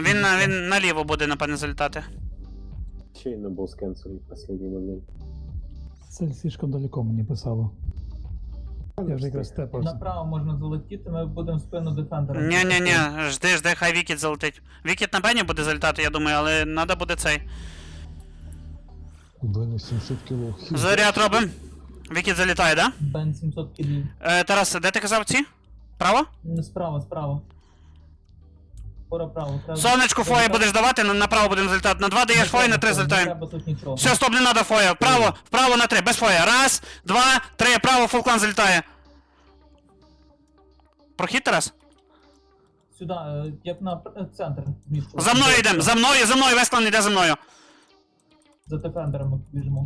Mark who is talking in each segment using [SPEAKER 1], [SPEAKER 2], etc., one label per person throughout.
[SPEAKER 1] Він наліво буде, напевне, залітати.
[SPEAKER 2] Чейно был скэнсер в последний момент.
[SPEAKER 3] Цель слишком далеко мені писало. Я вже якраз степався.
[SPEAKER 4] Направо можна залетіти, ми будемо в спину дефендера.
[SPEAKER 1] Ні, жди, хай Вікіт залетить. Вікіт на Бені буде залітати, я думаю, але треба буде цей.
[SPEAKER 5] У Бена 700 кіло.
[SPEAKER 1] Заряд робимо. Вікіт залітає, да?
[SPEAKER 4] Бен 700 кілів.
[SPEAKER 1] Тарас, де ти казав ці? Право?
[SPEAKER 4] Справа. Право.
[SPEAKER 1] Сонечку фоє будеш давати, направо будемо залітати. На 2 даєш фоє, на 3
[SPEAKER 4] Не
[SPEAKER 1] залітаємо.
[SPEAKER 4] треба тут нічого.
[SPEAKER 1] Все, стоп, не треба фоє. Вправо на 3, без фоє. 1, 2, 3, право, фулклан залітає. Прохід, Тарас?
[SPEAKER 4] Сюди, як на центр. Мішку.
[SPEAKER 1] За мною йдемо, за мною, весь клан йде за мною.
[SPEAKER 4] За дефендером ми біжимо.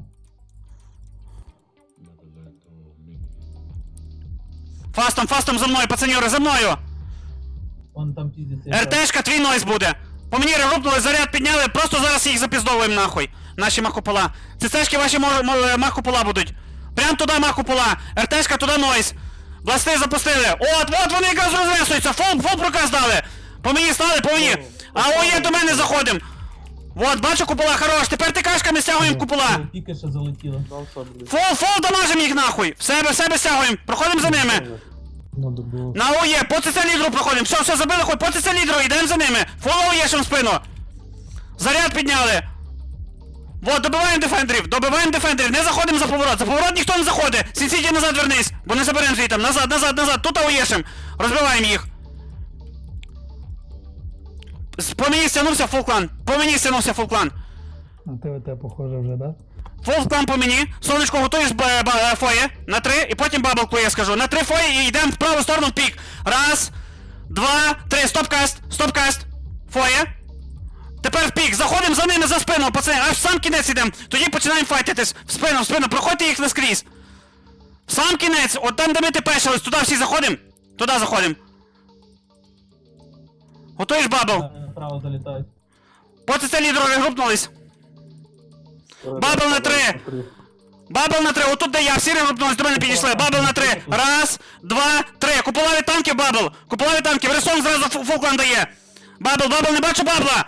[SPEAKER 1] Фастом за мною, пацаньори, за мною.
[SPEAKER 4] Вон там піздиться.
[SPEAKER 1] РТшка, твій нойз буде. По мені регрупнули, заряд підняли, просто зараз їх запіздовуємо нахуй. Наші махопола. ЦЦшки ваші махопола будуть. Прям туди махопола. РТшка, туди нойз. Бласти запустили. От вони якраз розвесуються. Фул проказ дали. По мені стали, по мені. А ОЄ до мене заходим. Вот, бачу купола, хорош. Тепер тикашками стягуємо купола.
[SPEAKER 4] Тільки що залетіло.
[SPEAKER 1] Фул дамажим їх нахуй. В себе стягуємо. Проходимо за ними.
[SPEAKER 5] Надо було.
[SPEAKER 1] На ОЄ, по ЦЦ лідеру проходимо. Все, забили, хоть по ЦЦ лідеру, йдемо за ними. Фул ОЄшем в спину. Заряд підняли. Вот, добиваємо дефендерів, не заходимо за поворот ніхто не заходить. Сінсіті назад вернись, бо не заберемо звітом. Назад, тут ОЄшем. Розбиваємо їх. По мені стягнувся фулклан.
[SPEAKER 3] На ТВТ похоже вже, да?
[SPEAKER 1] Фулклан по мені. Сонечко, готуєш фоє на 3, і потім баблку я скажу. На 3 фоє і йдемо в праву сторону в пік. 1, 2, 3, стопкаст. Фоє. Тепер в пік, заходимо за ними за спину, пацани, аж в сам кінець ідемо. Тоді починаємо файтитись. В спину, проходьте їх наскрізь. В сам кінець, от там, де ми тепешились, туди всі заходимо. Туди заходимо. Готуєш бабл?
[SPEAKER 4] Направо залітають.
[SPEAKER 1] Поки це лідери регрупнулись. Бабл на 3, отут де я, всі регрупнулись, до мене підійшли. Бабл на 3. 1, 2, 3. Купола від танків, бабл. Ресурс зразу фулклан дає. Бабл, не бачу бабла.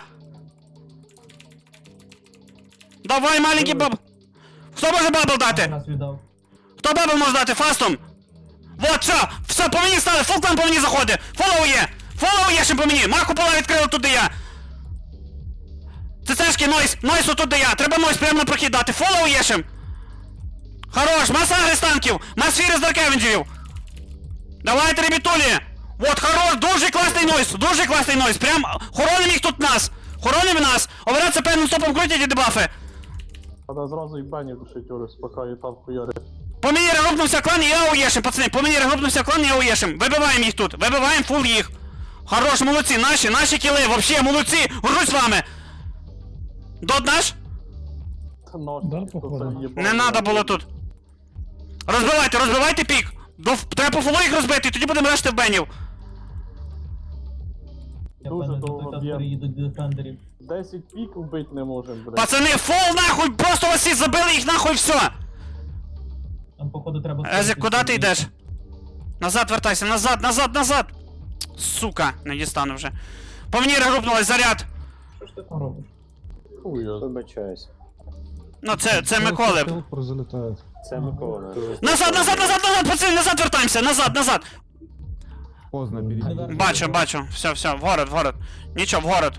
[SPEAKER 1] Давай, маленький бабл. Хто може бабл дати?
[SPEAKER 4] Нас віддав.
[SPEAKER 1] Хто бабл може дати? Фастом. Вот, все, по мені стали, фулклан по мені заходить. Фоллоу є ще по мені. Мах купола відкрили тут, де я. ЦЦшки, нойс отут, де я. Треба нойс прямо на прохід дати. Фоллоу є ще. Хорош, маса агрестанків. Масфіри з Даркевенджерів. Давайте, ребятулі. Вот, хорош, дуже класний нойс. Прям хороним їх тут нас. Операція певним стопом крутять і дебафи.
[SPEAKER 2] Надо зразу і бані душить, Орес, поки і там хуяри.
[SPEAKER 1] По мені регрупнувся клан, і я уєшим, пацани. Вибиваємо їх тут. Вибиваємо фул їх. Хорош, молодці, наші кіли, вообще, молодці. Горжусь з вами. Дот наш?
[SPEAKER 3] Да, походу.
[SPEAKER 1] Не надо було тут. Розбивайте пік. Треба по фулу їх розбити, і тоді будемо решти в бенів.
[SPEAKER 4] Я
[SPEAKER 2] Дуже
[SPEAKER 4] певно,
[SPEAKER 2] довго
[SPEAKER 4] до той
[SPEAKER 2] б'єм.
[SPEAKER 4] переїдуть до дефендерів.
[SPEAKER 2] 10 пік вбити не можемо, блядь.
[SPEAKER 1] Пацани, фул нахуй, просто вас всі забили їх нахуй, все.
[SPEAKER 4] Там, походу, треба...
[SPEAKER 1] Език, куди ти йдеш? Назад вертайся, назад. Сука, не дістану вже. По мені регрупнулась, заряд.
[SPEAKER 4] Що ж ти там робиш?
[SPEAKER 2] Хуя.
[SPEAKER 6] Вибачаюсь.
[SPEAKER 1] Ну це Миколи.
[SPEAKER 5] Телпор залітає.
[SPEAKER 6] Це Микола.
[SPEAKER 1] Назад, пацани, назад вертаємося, назад.
[SPEAKER 5] Поздно, перейди.
[SPEAKER 1] Бачу, все, в город. Нічого, в город.